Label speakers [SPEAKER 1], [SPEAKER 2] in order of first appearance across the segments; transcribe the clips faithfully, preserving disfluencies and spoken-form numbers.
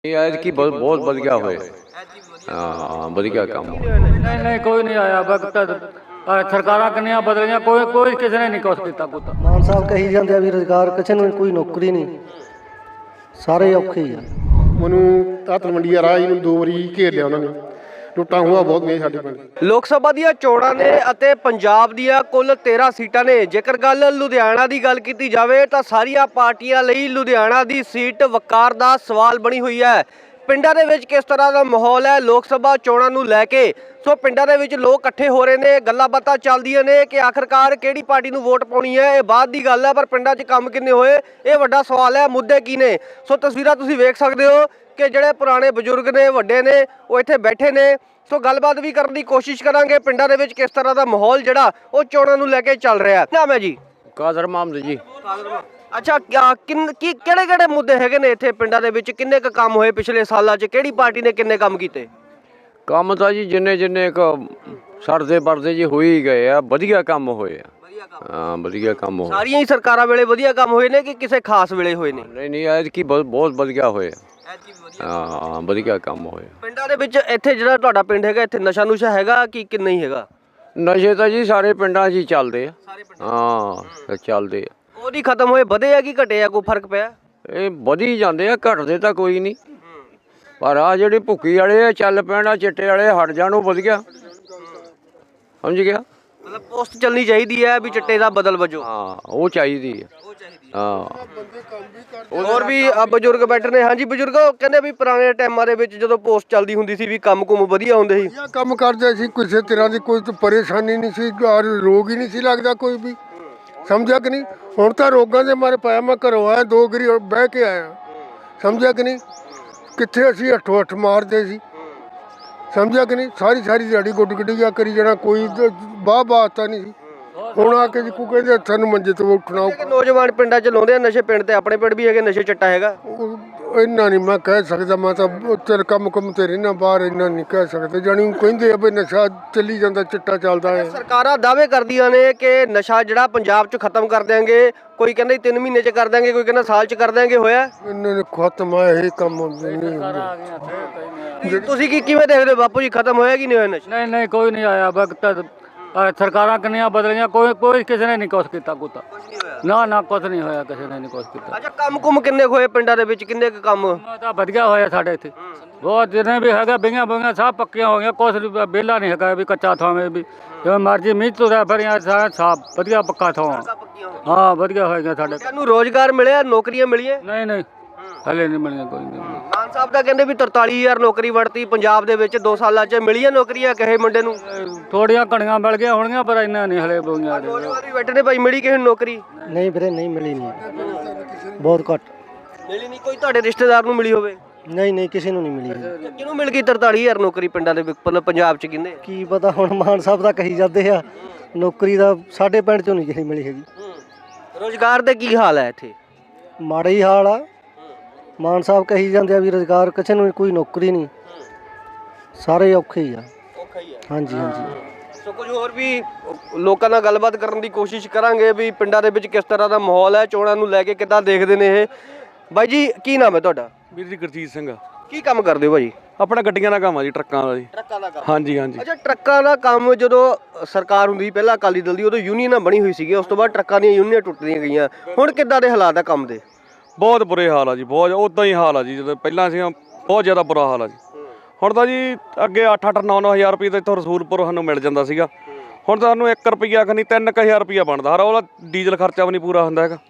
[SPEAKER 1] ਇਹ ਐਤਕੀ ਬਹੁਤ ਬਹੁਤ ਵਧੀਆ ਹੋਏ। ਹਾਂ ਵਧੀਆ ਕੰਮ।
[SPEAKER 2] ਨਹੀਂ ਨਹੀਂ ਕੋਈ ਨਹੀਂ ਆਇਆ ਵਕਤ ਸਰਕਾਰਾਂ ਕਿੰਨੀਆਂ ਬਦਲੀਆਂ, ਕੋਈ ਕੋਈ ਕਿਸੇ ਨੇ ਨਹੀਂ ਕੁਛ ਕੀਤਾ ਪੁੱਤ।
[SPEAKER 3] ਮਾਨ ਸਾਹਿਬ ਕਹੀ ਜਾਂਦੇ ਆ ਵੀ ਰੁਜ਼ਗਾਰ ਕਿਸੇ ਨੂੰ ਕੋਈ ਨੌਕਰੀ ਨਹੀਂ, ਸਾਰੇ ਔਖੇ ਹੀ ਆ।
[SPEAKER 4] ਮੈਨੂੰ ਤਾਂ ਤਲਵੰਡੀ ਰਾਹ ਹੀ ਨੂੰ ਦੋ ਵਾਰੀ ਘੇਰ ਲਿਆ ਉਹਨਾਂ ਨੇ, ਲੁੱਟਾਂ ਹੋਆ ਬਹੁਤ ਨੇ ਸਾਡੇ ਪਿੰਡ।
[SPEAKER 5] ਲੋਕ ਸਭਾ ਦੀਆਂ ਚੋਣਾਂ ਨੇ ਅਤੇ ਪੰਜਾਬ ਦੀਆਂ ਕੁੱਲ ਤੇਰਾਂ ਸੀਟਾਂ ਨੇ। ਜੇਕਰ ਗੱਲ ਲੁਧਿਆਣਾ ਦੀ ਗੱਲ ਕੀਤੀ ਜਾਵੇ ਤਾਂ ਸਾਰੀਆਂ ਪਾਰਟੀਆਂ ਲਈ ਲੁਧਿਆਣਾ ਦੀ ਸੀਟ ਵਕਾਰ ਦਾ ਸਵਾਲ ਬਣੀ ਹੋਈ ਹੈ। ਪਿੰਡਾਂ ਦੇ ਵਿੱਚ ਕਿਸ ਤਰ੍ਹਾਂ ਦਾ ਮਾਹੌਲ ਹੈ ਲੋਕ ਸਭਾ ਚੋਣਾਂ ਨੂੰ ਲੈ ਕੇ? ਸੋ ਪਿੰਡਾਂ ਦੇ ਵਿੱਚ ਲੋਕ ਇਕੱਠੇ ਹੋ ਰਹੇ ਨੇ, ਗੱਲਾਂ ਬਾਤਾਂ ਚੱਲਦੀਆਂ ਨੇ ਕਿ ਆਖਰਕਾਰ ਕਿਹੜੀ ਪਾਰਟੀ ਨੂੰ ਵੋਟ ਪਾਉਣੀ ਹੈ, ਇਹ ਬਾਅਦ ਦੀ ਗੱਲ ਹੈ, ਪਰ ਪਿੰਡਾਂ 'ਚ ਕੰਮ ਕਿੰਨੇ ਹੋਏ ਇਹ ਵੱਡਾ ਸਵਾਲ ਹੈ। ਮੁੱਦੇ ਕੀ ਨੇ? ਸੋ ਤਸਵੀਰਾਂ ਤੁਸੀਂ ਵੇਖ ਸਕਦੇ ਹੋ ਕਿ ਜਿਹੜੇ ਪੁਰਾਣੇ ਬਜ਼ੁਰਗ ਨੇ, ਵੱਡੇ ਨੇ, ਉਹ ਇੱਥੇ ਬੈਠੇ ਨੇ। ਸੋ ਗੱਲਬਾਤ ਵੀ ਕਰਨ ਦੀ ਕੋਸ਼ਿਸ਼ ਕਰਾਂਗੇ ਪਿੰਡਾਂ ਦੇ ਵਿੱਚ ਕਿਸ ਤਰ੍ਹਾਂ ਦਾ ਮਾਹੌਲ ਜਿਹੜਾ ਉਹ ਚੋਣਾਂ ਨੂੰ ਲੈ ਕੇ ਚੱਲ ਰਿਹਾ। ਨਾਮ ਹੈ ਜੀ?
[SPEAKER 1] ਕਾਦਰ ਮਾਮਦ ਜੀ।
[SPEAKER 5] ਅੱਛਾ, ਕਿੰਨ ਕੀ ਕਿਹੜੇ ਕਿਹੜੇ ਮੁੱਦੇ ਹੈਗੇ ਨੇ ਇੱਥੇ ਪਿੰਡਾਂ ਦੇ ਵਿੱਚ? ਕਿੰਨੇ ਕੁ ਕੰਮ ਹੋਏ ਪਿਛਲੇ ਸਾਲਾਂ 'ਚ? ਕਿਹੜੀ ਪਾਰਟੀ ਨੇ ਕਿੰਨੇ ਕੰਮ ਕੀਤੇ?
[SPEAKER 1] ਕੰਮ ਤਾਂ ਜੀ ਜਿੰਨੇ ਜਿੰਨੇ ਇੱਕ ਸਰਦੇ ਵਰਦੇ ਜੀ ਹੋ ਹੀ ਗਏ ਆ, ਵਧੀਆ ਕੰਮ ਹੋਏ ਆ। ਹਾਂ ਵਧੀਆ ਕੰਮ ਹੋਏ।
[SPEAKER 5] ਸਾਰੀਆਂ ਹੀ ਸਰਕਾਰਾਂ ਵੇਲੇ ਵਧੀਆ ਕੰਮ ਹੋਏ ਨੇ ਕਿ ਕਿਸੇ ਖਾਸ ਵੇਲੇ ਹੋਏ ਨੇ?
[SPEAKER 1] ਨਹੀਂ ਨਹੀਂ ਐਤਕੀ ਬਹੁਤ ਬਹੁਤ ਵਧੀਆ ਹੋਏ। ਹਾਂ ਵਧੀਆ ਕੰਮ ਹੋਏ
[SPEAKER 5] ਪਿੰਡਾਂ ਦੇ ਵਿੱਚ। ਇੱਥੇ ਜਿਹੜਾ ਤੁਹਾਡਾ ਪਿੰਡ ਹੈਗਾ, ਇੱਥੇ ਨਸ਼ਾ ਨੁਸ਼ਾ ਹੈਗਾ ਕਿ ਕਿ ਨਹੀਂ ਹੈਗਾ?
[SPEAKER 1] ਨਸ਼ੇ ਤਾਂ ਜੀ ਸਾਰੇ ਪਿੰਡਾਂ 'ਚ ਹੀ ਚੱਲਦੇ ਆ। ਹਾਂ ਚੱਲਦੇ ਆ।
[SPEAKER 5] ਉਹਦੀ ਖਤਮ ਹੋਏ ਵਧੇ ਆ ਕਿ ਘਟੇ ਆ? ਕੋਈ ਫਰਕ ਪਿਆ?
[SPEAKER 1] ਇਹ ਵਧੀ ਜਾਂਦੇ ਆ, ਘਟਦੇ ਤਾਂ ਕੋਈ ਨਹੀਂ, ਪਰ ਆ ਜਿਹੜੇ ਭੁੱਕੀ ਵਾਲੇ ਆ ਚੱਲ ਪੈਣ, ਆ ਚਿੱਟੇ ਵਾਲੇ ਹਟ ਜਾਣ, ਉਹ ਵਧੀਆ। ਸਮਝ ਗਿਆ?
[SPEAKER 5] ਮਤਲਬ ਪੋਸਟ ਚੱਲਣੀ ਚਾਹੀਦੀ ਹੈ ਵੀ ਚਿੱਟੇ ਦਾ ਬਦਲ ਵਜੋਂ।
[SPEAKER 1] ਹਾਂ ਉਹ ਚਾਹੀਦੀ ਹੈ। ਹਾਂ
[SPEAKER 5] ਹੋਰ ਵੀ ਬਜ਼ੁਰਗ ਬੈਠੇ ਨੇ। ਹਾਂਜੀ ਬਜ਼ੁਰਗ, ਕਹਿੰਦੇ ਵੀ ਪੁਰਾਣੇ ਟਾਈਮਾਂ ਦੇ ਵਿੱਚ ਜਦੋਂ ਪੋਸਟ ਚੱਲਦੀ ਹੁੰਦੀ ਸੀ ਵੀ ਕੰਮ ਕੁਮ ਵਧੀਆ ਹੁੰਦੇ ਸੀ,
[SPEAKER 4] ਕੰਮ ਕਰਦੇ ਸੀ, ਕਿਸੇ ਤਰ੍ਹਾਂ ਦੀ ਕੋਈ ਪਰੇਸ਼ਾਨੀ ਨਹੀਂ ਸੀ, ਰੋਗ ਹੀ ਨਹੀਂ ਸੀ ਲੱਗਦਾ ਕੋਈ ਵੀ। ਸਮਝਿਆ ਕਿ ਨਹੀਂ? ਹੁਣ ਤਾਂ ਰੋਗਾਂ ਦੇ ਮਾਰੇ ਪਾਇਆ। ਮੈਂ ਘਰੋਂ ਆਇਆ ਦੋ ਗਰੀ ਬਹਿ ਕੇ ਆਇਆ। ਸਮਝਿਆ ਕਿ ਨਹੀਂ? ਕਿੱਥੇ ਅਸੀਂ ਅੱਠੋ ਅੱਠ ਮਾਰਦੇ ਸੀ। ਸਮਝਿਆ ਕਿ ਨਹੀਂ? ਸਾਰੀ ਸਾਰੀ ਦਿਹਾੜੀ ਗੁੱਡ ਗੁੱਡੀਆ ਕਰੀ ਜਾਣਾ, ਕੋਈ ਬਾਹ ਬਾਤ ਨਹੀਂ ਸੀ। ਹੁਣ ਆ ਕੇ ਜੀ ਕੋ ਕਹਿੰਦੇ ਸਾਨੂੰ ਮੰਜੇ ਤੋਂ ਉੱਠਣਾ।
[SPEAKER 5] ਨੌਜਵਾਨ ਪਿੰਡਾਂ 'ਚ ਲਾਉਂਦੇ ਆ ਨਸ਼ੇ। ਪਿੰਡ ਤੇ ਆਪਣੇ ਪਿੰਡ ਵੀ ਹੈਗੇ ਨਸ਼ੇ, ਚੱਟਾ ਹੈਗਾ।
[SPEAKER 4] ਇੰਨਾ ਨਹੀਂ ਮੈਂ ਕਹਿ ਸਕਦਾ, ਮੈਂ ਤਾਂ ਤੇਰੇ ਕੰਮ ਕੰਮ ਤੇ ਰਹਿਣਾ ਬਾਹਰ, ਇੰਨਾ ਨਹੀਂ ਕਹਿ ਸਕਦੇ। ਜਾਣੀ ਕਹਿੰਦੇ ਆ ਵੀ ਨਸ਼ਾ ਚੱਲੀ ਜਾਂਦਾ, ਚਿੱਟਾ ਚੱਲਦਾ ਹੈ।
[SPEAKER 5] ਸਰਕਾਰਾਂ ਦਾਅਵੇ ਕਰਦੀਆਂ ਨੇ ਕਿ ਨਸ਼ਾ ਜਿਹੜਾ ਪੰਜਾਬ 'ਚ ਖਤਮ ਕਰ ਦਿਆਂਗੇ। ਕੋਈ ਕਹਿੰਦਾ ਤਿੰਨ ਮਹੀਨੇ 'ਚ ਕਰ ਦਿਆਂਗੇ, ਕੋਈ ਕਹਿੰਦਾ ਸਾਲ 'ਚ ਕਰ ਦਿਆਂਗੇ। ਹੋਇਆ
[SPEAKER 4] ਇਹਨਾਂ ਨੇ ਖਤਮ ਆ ਇਹ ਕੰਮ ਨਹੀਂ।
[SPEAKER 5] ਤੁਸੀਂ ਕੀ ਕਿਵੇਂ ਦੇਖਦੇ ਹੋ ਬਾਪੂ ਜੀ, ਖਤਮ ਹੋਇਆ ਕਿ ਨਹੀਂ ਹੋਇਆ ਨਸ਼ਾ?
[SPEAKER 2] ਨਹੀਂ ਨਹੀਂ ਕੋਈ ਨਹੀਂ ਆਇਆ ਵਕਤ ਸਰਕਾਰਾਂ ਕਿੰਨੀਆਂ ਬਦਲੀਆਂ, ਕੋਈ ਕੋਈ ਕਿਸੇ ਨੇ ਨਹੀਂ ਕੁਛ ਕੀਤਾ ਪੁੱਤ। ਨਾ ਨਾ ਕੁਛ ਨਹੀਂ ਹੋਇਆ, ਕਿਸੇ ਨੇ ਨਹੀਂ ਕੁਛ ਕੀਤਾ।
[SPEAKER 5] ਅੱਛਾ, ਕੰਮ ਕੁਮ ਕਿੰਨੇ ਹੋਏ ਪਿੰਡਾਂ ਦੇ ਵਿੱਚ? ਕਿੰਨੇ ਕੁ ਕੰਮ
[SPEAKER 2] ਤਾਂ ਵਧੀਆ ਹੋਇਆ ਸਾਡੇ ਇੱਥੇ, ਬਹੁਤ ਜਿੰਨੇ ਵੀ ਹੈਗਾ ਬਈਆਂ ਬਈਆਂ ਸਭ ਪੱਕੀਆਂ ਹੋ ਗਈਆਂ। ਕੁਛ ਵਿਹਲਾ ਨਹੀਂ ਹੈਗਾ ਵੀ ਕੱਚਾ ਥਾਵੇਂ ਵੀ ਜਿਵੇਂ ਮਰਜ਼ੀ ਮੀਂਹ ਤੁਰਿਆ ਫਿਰਿਆ, ਸਾਰਾ ਸਾਫ ਵਧੀਆ ਪੱਕਾ ਥਾਂ। ਹਾਂ ਵਧੀਆ ਹੋਏਗਾ ਸਾਡੇ।
[SPEAKER 5] ਤੁਹਾਨੂੰ ਰੋਜ਼ਗਾਰ ਮਿਲਿਆ, ਨੌਕਰੀਆਂ ਮਿਲੀਆਂ?
[SPEAKER 2] ਨਹੀਂ ਨਹੀਂ ਹਲੇ ਨਹੀਂ ਮਿਲੀਆਂ ਕੋਈ ਨਹੀਂ।
[SPEAKER 5] ਮਾਨ ਸਾਹਿਬ ਤਾਂ ਕਹਿੰਦੇ ਵੀ ਤਰਤਾਲੀ ਹਜ਼ਾਰ ਨੌਕਰੀ ਵੜਤੀ ਪੰਜਾਬ ਦੇ ਵਿੱਚ ਦੋ ਸਾਲਾਂ 'ਚ। ਮਿਲੀਆਂ ਨੌਕਰੀਆਂ ਕਿਸੇ ਮੁੰਡੇ ਨੂੰ?
[SPEAKER 2] ਥੋੜੀਆਂ ਘਣੀਆਂ ਮਿਲ ਗਈਆਂ ਹੋਣਗੀਆਂ, ਪਰ ਇੰਨਾ ਨਹੀਂ ਹਲੇ ਬੋਈਆਂ।
[SPEAKER 5] ਨੌਜਵਾਨ ਵੀ ਬੈਠੇ ਨੇ ਭਾਈ, ਮਿਲੀ ਕਿਸੇ ਨੂੰ ਨੌਕਰੀ?
[SPEAKER 3] ਨਹੀਂ ਵੀਰੇ ਨਹੀਂ ਮਿਲੀ, ਨਹੀਂ ਬਹੁਤ ਘੱਟ
[SPEAKER 5] ਮਿਲੀ ਨਹੀਂ। ਕੋਈ ਤੁਹਾਡੇ ਰਿਸ਼ਤੇਦਾਰ ਨੂੰ ਮਿਲੀ ਹੋਵੇ?
[SPEAKER 3] ਨਹੀਂ ਨਹੀਂ ਕਿਸੇ ਨੂੰ ਨਹੀਂ ਮਿਲੀ।
[SPEAKER 5] ਕਿਹਨੂੰ ਮਿਲ ਗਈ ਤਰਤਾਲੀ ਹਜ਼ਾਰ ਨੌਕਰੀ ਪਿੰਡਾਂ ਦੇ ਵਿੱਚ, ਪੰਜਾਬ 'ਚ? ਕਿੰਨੇ
[SPEAKER 3] ਕੀ ਪਤਾ, ਹੁਣ ਮਾਨ ਸਾਹਿਬ ਦਾ ਕਹੀ ਜਾਂਦੇ ਆ ਨੌਕਰੀ ਦਾ, ਸਾਡੇ ਪਿੰਡ ਚੋਂ ਨਹੀਂ ਕਿਸੇ ਮਿਲੀ ਹੈਗੀ।
[SPEAKER 5] ਰੋਜ਼ਗਾਰ ਦੇ ਕੀ ਹਾਲ ਹੈ ਇੱਥੇ?
[SPEAKER 3] ਮਾੜਾ ਹੀ ਹਾਲ ਆ। ਮਾਨ ਸਾਹਿਬ ਕਹੀ ਜਾਂਦੇ ਆ ਵੀ ਰੁਜ਼ਗਾਰ ਕਿਸੇ ਨੂੰ ਕੋਈ ਨੌਕਰੀ ਨਹੀਂ, ਸਾਰੇ ਔਖੇ ਹੀ ਆ।
[SPEAKER 5] ਔਖਾ ਹੀ ਹੈ।
[SPEAKER 3] ਹਾਂਜੀ ਹਾਂਜੀ।
[SPEAKER 5] ਸੋ ਕੁਝ ਹੋਰ ਵੀ ਲੋਕਾਂ ਨਾਲ ਗੱਲਬਾਤ ਕਰਨ ਦੀ ਕੋਸ਼ਿਸ਼ ਕਰਾਂਗੇ ਵੀ ਪਿੰਡਾਂ ਦੇ ਵਿੱਚ ਕਿਸ ਤਰ੍ਹਾਂ ਦਾ ਮਾਹੌਲ ਹੈ, ਚੋਣਾਂ ਨੂੰ ਲੈ ਕੇ ਕਿੱਦਾਂ ਦੇਖਦੇ ਨੇ ਇਹ। ਬਾਈ ਜੀ ਕੀ ਨਾਮ ਹੈ ਤੁਹਾਡਾ?
[SPEAKER 6] ਵੀਰ ਜੀ ਗੁਰਜੀਤ ਸਿੰਘ।
[SPEAKER 5] ਕੀ ਕੰਮ ਕਰਦੇ ਹੋ ਭਾਜੀ?
[SPEAKER 6] ਆਪਣਾ ਗੱਡੀਆਂ ਦਾ ਕੰਮ ਆ ਜੀ, ਟਰੱਕਾਂ ਦਾ ਜੀ।
[SPEAKER 5] ਟਰੱਕਾਂ ਦਾ ਕੰਮ?
[SPEAKER 6] ਹਾਂਜੀ ਹਾਂਜੀ।
[SPEAKER 5] ਅੱਛਾ, ਟਰੱਕਾਂ ਦਾ ਕੰਮ ਜਦੋਂ ਸਰਕਾਰ ਹੁੰਦੀ ਸੀ ਪਹਿਲਾਂ ਅਕਾਲੀ ਦਲ ਦੀ, ਉਦੋਂ ਯੂਨੀਅਨਾਂ ਬਣੀ ਹੋਈ ਸੀਗੀ, ਉਸ ਤੋਂ ਬਾਅਦ ਟਰੱਕਾਂ ਦੀਆਂ ਯੂਨੀਅਨਾਂ ਟੁੱਟਦੀਆਂ ਗਈਆਂ। ਹੁਣ ਕਿੱਦਾਂ ਦੇ ਹਾਲਾਤ ਆ ਕੰਮ ਦੇ?
[SPEAKER 6] ਬਹੁਤ ਬੁਰੇ ਹਾਲ ਆ ਜੀ, ਬਹੁਤ ਉਦਾਂ ਹੀ ਹਾਲ ਆ ਜੀ। ਜਦੋਂ ਪਹਿਲਾਂ ਸੀ ਬਹੁਤ ਜ਼ਿਆਦਾ ਬੁਰਾ ਹਾਲ ਆ ਜੀ। ਹੁਣ ਤਾਂ ਜੀ ਅੱਗੇ ਅੱਠ ਅੱਠ ਨੌ ਨੌ ਹਜ਼ਾਰ ਰੁਪਏ ਤਾਂ ਇੱਥੋਂ ਰਸੂਲਪੁਰ ਸਾਨੂੰ ਮਿਲ ਜਾਂਦਾ ਸੀਗਾ। ਹੁਣ ਤਾਂ ਸਾਨੂੰ ਇੱਕ ਰੁਪਈਆ ਖਨੀ ਤਿੰਨ ਕੁ ਹਜ਼ਾਰ ਰੁਪਈਆ ਬਣਦਾ। ਹਰ ਉਹਦਾ ਡੀਜ਼ਲ ਖਰਚਾ ਵੀ ਨਹੀਂ ਪੂਰਾ ਹੁੰਦਾ ਹੈਗਾ,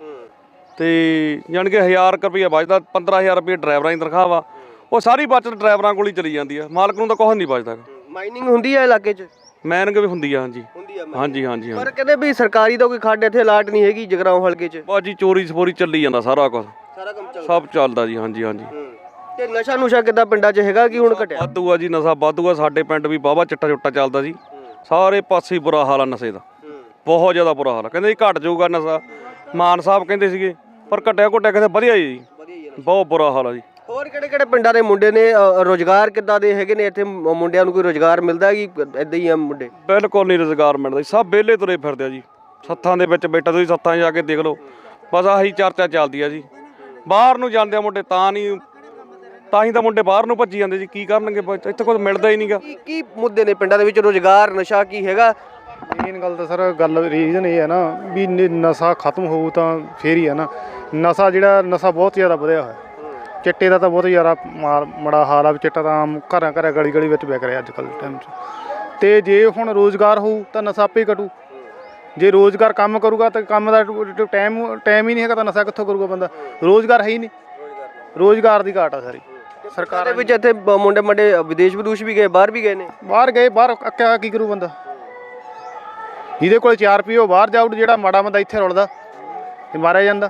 [SPEAKER 6] ਤੇ ਜਾਣੀ ਕਿ ਹਜ਼ਾਰ ਕੁ ਰੁਪਈਆ ਬਚਦਾ। ਪੰਦਰਾਂ ਹਜ਼ਾਰ ਰੁਪਈਆ ਡਰਾਈਵਰਾਂ ਦੀ ਤਨਖਾਹ ਵਾ, ਉਹ ਸਾਰੀ ਬਚਤ ਡਰਾਈਵਰਾਂ ਕੋਲ ਹੀ ਚਲੀ ਜਾਂਦੀ ਆ, ਮਾਲਕ ਨੂੰ ਤਾਂ ਕੁਛ ਨਹੀਂ ਬਚਦਾ।
[SPEAKER 5] ਮਾਈਨਿੰਗ ਹੁੰਦੀ ਹੈ ਇਲਾਕੇ 'ਚ?
[SPEAKER 6] ਮੈਨਿੰਗ ਵੀ ਹੁੰਦੀ ਆ। ਹਾਂਜੀ
[SPEAKER 5] ਹੁੰਦੀ ਆ।
[SPEAKER 6] ਹਾਂਜੀ ਹਾਂਜੀ।
[SPEAKER 5] ਪਰ ਕਹਿੰਦੇ ਵੀ ਸਰਕਾਰੀ ਦਾ ਕੋਈ ਖੱਡ ਇੱਥੇ ਅਲਾਟ ਨਹੀਂ ਹੈਗੀ ਜਗਰਾਉਂ ਹਲਕੇ 'ਚ।
[SPEAKER 6] ਬਸ ਜੀ ਚੋਰੀ ਸਪੋਰੀ ਚੱਲੀ ਜਾਂਦਾ, ਸਾਰਾ ਕੁਝ
[SPEAKER 5] ਸਾਰਾ ਕੰਮ ਚੱਲਦਾ,
[SPEAKER 6] ਸਭ ਚੱਲਦਾ ਜੀ। ਹਾਂਜੀ ਹਾਂਜੀ।
[SPEAKER 5] ਤੇ ਨਸ਼ਾ ਨੁਸ਼ਾ ਕਿੱਦਾਂ ਪਿੰਡਾਂ 'ਚ ਹੈਗਾ ਕਿ ਹੁਣ ਘਟਿਆ?
[SPEAKER 6] ਵਾਧੂ ਆ ਜੀ, ਨਸ਼ਾ ਵਾਧੂ ਆ। ਸਾਡੇ ਪਿੰਡ ਵੀ ਬਾਵਾ ਚਿੱਟਾ ਚੁੱਟਾ ਚੱਲਦਾ ਜੀ, ਸਾਰੇ ਪਾਸੇ ਬੁਰਾ ਹਾਲ ਆ ਨਸ਼ੇ ਦਾ, ਬਹੁਤ ਜ਼ਿਆਦਾ ਬੁਰਾ ਹਾਲ ਆ। ਕਹਿੰਦੇ ਜੀ ਘਟ ਜਾਊਗਾ ਨਸ਼ਾ, ਮਾਨ ਸਾਹਿਬ ਕਹਿੰਦੇ ਸੀਗੇ, ਪਰ ਘਟਿਆ ਘਟਿਆ ਕਹਿੰਦੇ ਵਧੀਆ ਜੀ, ਬਹੁਤ ਬੁਰਾ ਹਾਲ ਆ ਜੀ।
[SPEAKER 5] ਹੋਰ ਕਿਹੜੇ ਕਿਹੜੇ ਪਿੰਡਾਂ ਦੇ ਮੁੰਡੇ ਨੇ? ਰੋਜ਼ਗਾਰ ਕਿੱਦਾਂ ਦੇ ਹੈਗੇ ਨੇ ਇੱਥੇ? ਮੁੰਡਿਆਂ ਨੂੰ ਕੋਈ ਰੋਜ਼ਗਾਰ ਮਿਲਦਾ ਕਿ ਇਦਾਂ ਹੀ ਆ ਮੁੰਡੇ?
[SPEAKER 6] ਬਿਲਕੁਲ ਨਹੀਂ ਰੁਜ਼ਗਾਰ ਮਿਲਦਾ ਜੀ, ਸਭ ਵਿਹਲੇ ਤੁਰੇ ਫਿਰਦੇ ਆ ਜੀ। ਸੱਥਾਂ ਦੇ ਵਿੱਚ ਬੈਠਾ, ਤੁਸੀਂ ਸੱਥਾਂ 'ਚ ਜਾ ਕੇ ਦੇਖ ਲਓ, ਬਸ ਆਹੀ ਚਰਚਾ ਚੱਲਦੀ ਆ ਜੀ। ਬਾਹਰ ਨੂੰ ਜਾਂਦੇ ਆ ਮੁੰਡੇ ਤਾਂ ਨਹੀਂ ਤਾਂ ਹੀ ਤਾਂ ਮੁੰਡੇ ਬਾਹਰ ਨੂੰ ਭੱਜੀ ਜਾਂਦੇ ਜੀ, ਕੀ ਕਰਨਗੇ ਬ- ਇੱਥੇ ਕੁਝ ਮਿਲਦਾ ਹੀ ਨਹੀਂਗਾ।
[SPEAKER 5] ਕੀ ਕੀ ਮੁੱਦੇ ਨੇ ਪਿੰਡਾਂ ਦੇ ਵਿੱਚ? ਰੋਜ਼ਗਾਰ, ਨਸ਼ਾ ਕੀ ਹੈਗਾ?
[SPEAKER 7] ਮੇਨ ਗੱਲ ਤਾਂ ਸਰ ਗੱਲ ਰੀਜ਼ਨ ਇਹ ਹੈ ਨਾ ਵੀ ਨ- ਨਸ਼ਾ ਖਤਮ ਹੋਊ ਤਾਂ ਫੇਰ ਹੀ ਹੈ ਨਾ। ਨਸ਼ਾ ਜਿਹੜਾ ਨਸ਼ਾ ਬਹੁਤ ਜ਼ਿਆਦਾ ਵਧਿਆ ਹੋਇਆ, ਚਿੱਟੇ ਦਾ ਤਾਂ ਬਹੁਤ ਜ਼ਿਆਦਾ ਮਾਰ ਮਾੜਾ ਹਾਲ ਆ ਵੀ ਚਿੱਟਾ ਤਾਂ ਆਮ ਘਰਾਂ ਘਰਾਂ ਗਲੀ ਗਲੀ ਵਿੱਚ ਵਿਕ ਰਿਹਾ ਅੱਜ ਕੱਲ੍ਹ ਟਾਈਮ 'ਚ। ਤੇ ਜੇ ਹੁਣ ਰੋਜ਼ਗਾਰ ਹੋਊ ਤਾਂ ਨਸ਼ਾ ਆਪੇ ਹੀ ਘਟੂ। ਜੇ ਰੋਜ਼ਗਾਰ ਕੰਮ ਕਰੂਗਾ ਤਾਂ ਕੰਮ ਦਾ ਟਾਈਮ ਟਾਈਮ ਹੀ ਨਹੀਂ ਹੈਗਾ ਤਾਂ ਨਸ਼ਾ ਕਿੱਥੋਂ ਕਰੂਗਾ ਬੰਦਾ? ਰੋਜ਼ਗਾਰ ਹੈ ਹੀ ਨਹੀਂ, ਰੋਜ਼ਗਾਰ ਦੀ ਘਾਟ ਆ ਸਾਰੀ।
[SPEAKER 5] ਸਰਕਾਰ ਦੇ ਵਿੱਚ ਇੱਥੇ ਬ- ਮੁੰਡੇ ਮੁੰਡੇ ਵਿਦੇਸ਼ ਵਿਦੂਸ਼ ਵੀ ਗਏ, ਬਾਹਰ ਵੀ ਗਏ ਨੇ।
[SPEAKER 7] ਬਾਹਰ ਗਏ, ਬਾਹਰ ਅੱਕਿਆ ਕੀ ਕਰੂ ਬੰਦਾ? ਜਿਹਦੇ ਕੋਲ ਚਾਰ ਰੁਪਏ ਉਹ ਬਾਹਰ ਜਾਊ, ਜਿਹੜਾ ਮਾੜਾ ਬੰਦਾ ਇੱਥੇ ਰੁਲਦਾ ਤੇ ਮਾਰਿਆ ਜਾਂਦਾ।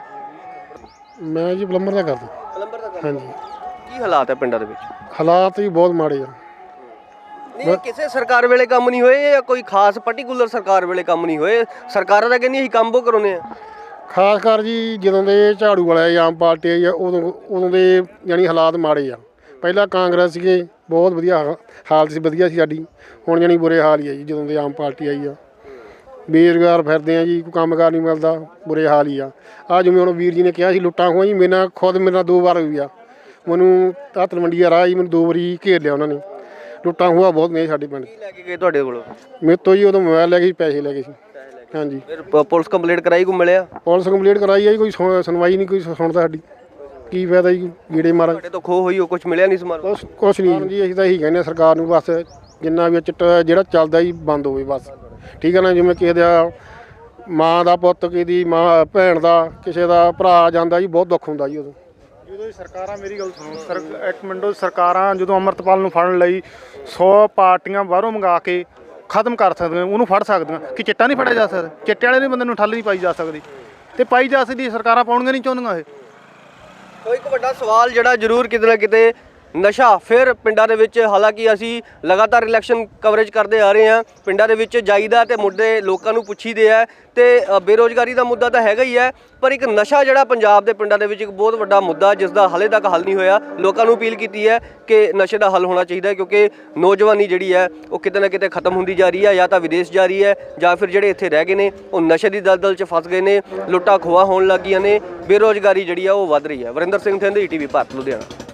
[SPEAKER 4] ਮੈਂ ਜੀ ਪਲੰਬਰ ਦਾ ਕਰਦਾ।
[SPEAKER 5] ਪਲੰਬਰ ਦਾ ਕੰਮ।
[SPEAKER 4] ਹਾਂਜੀ,
[SPEAKER 5] ਕੀ ਹਾਲਾਤ ਹੈ ਪਿੰਡਾਂ ਦੇ ਵਿੱਚ?
[SPEAKER 4] ਹਾਲਾਤ ਵੀ ਬਹੁਤ ਮਾੜੇ ਆ।
[SPEAKER 5] ਨਹੀਂ, ਕਿਸੇ ਸਰਕਾਰ ਵੇਲੇ ਕੰਮ ਨਹੀਂ ਹੋਏ ਜਾਂ ਕੋਈ ਖਾਸ ਪਾਰਟਿਕੂਲਰ ਸਰਕਾਰ ਵੇਲੇ ਕੰਮ ਨਹੀਂ ਹੋਏ? ਸਰਕਾਰਾਂ ਤਾਂ ਕਹਿੰਦੀਆਂ ਅਸੀਂ ਕੰਮ ਬਹੁਤ ਕਰਾਉਂਦੇ ਆ।
[SPEAKER 4] ਖਾਸ ਕਰ ਜੀ ਜਦੋਂ ਦੇ ਝਾੜੂ ਵਾਲੇ ਆਮ ਪਾਰਟੀ ਆਈ ਆ ਉਦੋਂ ਉਦੋਂ ਦੇ ਯਾਨੀ ਹਾਲਾਤ ਮਾੜੇ ਆ। ਪਹਿਲਾਂ ਕਾਂਗਰਸ ਸੀਗੇ, ਬਹੁਤ ਵਧੀਆ ਹਾ- ਹਾਲਤ ਸੀ, ਵਧੀਆ ਸੀ ਸਾਡੀ। ਹੁਣ ਯਾਨੀ ਬੁਰੇ ਹਾਲ ਹੀ ਆ ਜੀ ਜਦੋਂ ਦੇ ਆਮ ਪਾਰਟੀ ਆਈ ਆ। ਬੇਰੁਜ਼ਗਾਰ ਫਿਰਦੇ ਆ ਜੀ, ਕੋਈ ਕੰਮਕਾਰ ਨਹੀਂ ਮਿਲਦਾ, ਬੁਰੇ ਹਾਲ ਹੀ ਆ। ਆ ਜਿਵੇਂ ਹੁਣ ਵੀਰ ਜੀ ਨੇ ਕਿਹਾ ਸੀ ਲੁੱਟਾਂ ਖੋਹਾਂ ਜੀ, ਮੇਰੇ ਨਾਲ ਖੁਦ ਮੇਰੇ ਨਾਲ ਦੋ ਵਾਰ ਹੋਈ ਆ। ਮੈਨੂੰ ਆਹ ਤਲਵੰਡੀ ਦਾ ਰਾਹ ਜੀ ਮੈਨੂੰ ਦੋ ਵਾਰੀ ਘੇਰ ਲਿਆ ਉਹਨਾਂ ਨੇ। ਲੁੱਟਾਂ ਖੋਹਾਂ ਬਹੁਤ ਨੇ ਸਾਡੇ ਪਿੰਡ।
[SPEAKER 5] ਕੀ ਲੈ ਕੇ ਗਏ ਤੁਹਾਡੇ ਕੋਲੋਂ?
[SPEAKER 4] ਮੇਰੇ ਤੋਂ ਜੀ ਉਦੋਂ ਮੋਬਾਈਲ ਲੈ ਗਏ ਸੀ, ਪੈਸੇ ਲੈ ਗਏ ਸੀ। ਹਾਂਜੀ,
[SPEAKER 5] ਫਿਰ ਪ- ਪੁਲਿਸ ਕੰਪਲੇਂਟ ਕਰਾਈ, ਕੋਈ ਮਿਲਿਆ?
[SPEAKER 4] ਪੁਲਿਸ ਕੰਪਲੀਟ ਕਰਾਈ ਆ ਜੀ, ਕੋਈ ਸੁਣ- ਸੁਣਵਾਈ ਨਹੀਂ, ਕੋਈ ਸੁਣਦਾ ਸਾਡੀ। ਕੀ ਫਾਇਦਾ ਜੀ ਗੀੜੇ ਮਾਰਾ।
[SPEAKER 5] ਤੁਹਾਡੇ ਤੋਂ ਖੋਹ ਹੋਈ, ਉਹ ਕੁਝ ਮਿਲਿਆ ਨਹੀਂ ਸਮਾਨ?
[SPEAKER 4] ਕੁਛ ਕੁਛ ਨਹੀਂ ਜੀ, ਅਸੀਂ ਤਾਂ ਇਹੀ ਕਹਿੰਦੇ ਹਾਂ ਸਰਕਾਰ ਨੂੰ, ਬਸ ਜਿੰਨਾ ਵੀ ਇਹ ਚਿੱਟਾ ਜਿਹੜਾ ਚੱਲਦਾ ਜੀ ਬੰਦ ਹੋਵੇ ਬਸ। ਠੀਕ ਹੈ ਨਾ? ਜਿਵੇਂ ਕਿਸੇ ਦਾ ਮਾਂ ਦਾ ਪੁੱਤ, ਕਿਸੇ ਦੀ ਮਾਂ ਭੈਣ ਦਾ, ਕਿਸੇ ਦਾ ਭਰਾ ਜਾਂਦਾ ਜੀ, ਬਹੁਤ ਦੁੱਖ ਹੁੰਦਾ ਜੀ ਉਦੋਂ।
[SPEAKER 7] ਜਦੋਂ ਇਹ ਸਰਕਾਰਾਂ, ਮੇਰੀ ਗੱਲ ਸੁਣੋ ਸਰ ਇੱਕ ਮਿੰਟੋ, ਸਰਕਾਰਾਂ ਜਦੋਂ ਅੰਮ੍ਰਿਤਪਾਲ ਨੂੰ ਫੜਨ ਲਈ ਸੌ ਪਾਰਟੀਆਂ ਬਾਹਰੋਂ ਮੰਗਾ ਕੇ ਖਤਮ ਕਰ ਸਕਦੀਆਂ, ਉਹਨੂੰ ਫੜ ਸਕਦੀਆਂ, ਕਿ ਚਿੱਟਾ ਨਹੀਂ ਫੜਿਆ ਜਾ ਸਕਦਾ? ਚਿੱਟੇ ਵਾਲੇ ਦੇ ਬੰਦੇ ਨੂੰ ਠੱਲ ਨਹੀਂ ਪਾਈ ਜਾ ਸਕਦੀ, ਤੇ ਪਾਈ ਜਾ ਸਕਦੀ ਸਰਕਾਰਾਂ ਪਾਉਣੀਆਂ ਨਹੀਂ ਚਾਹੁੰਦੀਆਂ ਇਹ।
[SPEAKER 5] ਕੋਈ ਇੱਕ ਵੱਡਾ ਸਵਾਲ ਜਿਹੜਾ ਜ਼ਰੂਰ ਕਿਤੇ ਨਾ ਕਿਤੇ, ਨਸ਼ਾ ਫਿਰ ਪਿੰਡਾਂ ਦੇ ਵਿੱਚ, ਹਾਲਾਂਕਿ ਅਸੀਂ ਲਗਾਤਾਰ ਇਲੈਕਸ਼ਨ ਕਵਰੇਜ ਕਰਦੇ ਆ ਰਹੇ ਹਾਂ, ਪਿੰਡਾਂ ਦੇ ਵਿੱਚ ਜਾਈਦਾ ਤੇ ਮੁੱਦੇ ਲੋਕਾਂ ਨੂੰ ਪੁੱਛੀਦੇ ਆ, ਤੇ ਅ, ਬੇਰੁਜ਼ਗਾਰੀ ਦਾ ਮੁੱਦਾ ਤਾਂ ਹੈਗਾ ਹੀ ਹੈ, ਪਰ ਇੱਕ ਨਸ਼ਾ ਜਿਹੜਾ ਪੰਜਾਬ ਦੇ ਪਿੰਡਾਂ ਦੇ ਵਿੱਚ ਇੱਕ ਬਹੁਤ ਵੱਡਾ ਮੁੱਦਾ, ਜਿਸ ਦਾ ਹਾਲੇ ਤੱਕ ਹੱਲ ਨਹੀਂ ਹੋਇਆ। ਲੋਕਾਂ ਨੂੰ ਅਪੀਲ ਕੀਤੀ ਹੈ ਕਿ ਨਸ਼ੇ ਦਾ ਹੱਲ ਹੋਣਾ ਚਾਹੀਦਾ ਹੈ, ਕਿਉਂਕਿ ਨੌਜਵਾਨੀ ਜਿਹੜੀ ਹੈ ਉਹ ਕਿਤੇ ਨਾ ਕਿਤੇ ਖਤਮ ਹੁੰਦੀ ਜਾ ਰਹੀ ਹੈ, ਜਾਂ ਤਾਂ ਵਿਦੇਸ਼ ਜਾ ਰਹੀ ਹੈ, ਜਾਂ ਫਿਰ ਜਿਹੜੇ ਇੱਥੇ ਰਹਿ ਗਏ ਨੇ ਉਹ ਨਸ਼ੇ ਦੀ ਦਲਦਲ 'ਚ ਫਸ ਗਏ ਨੇ, ਲੁੱਟਾਂ ਖੋਹਾਂ ਹੋਣ ਲੱਗ ਗਈਆਂ ਨੇ, ਬੇਰੁਜ਼ਗਾਰੀ ਜਿਹੜੀ ਆ ਉਹ ਵੱਧ ਰਹੀ ਹੈ। Varinder Singh Thind, E T V Bharat, Ludhiana.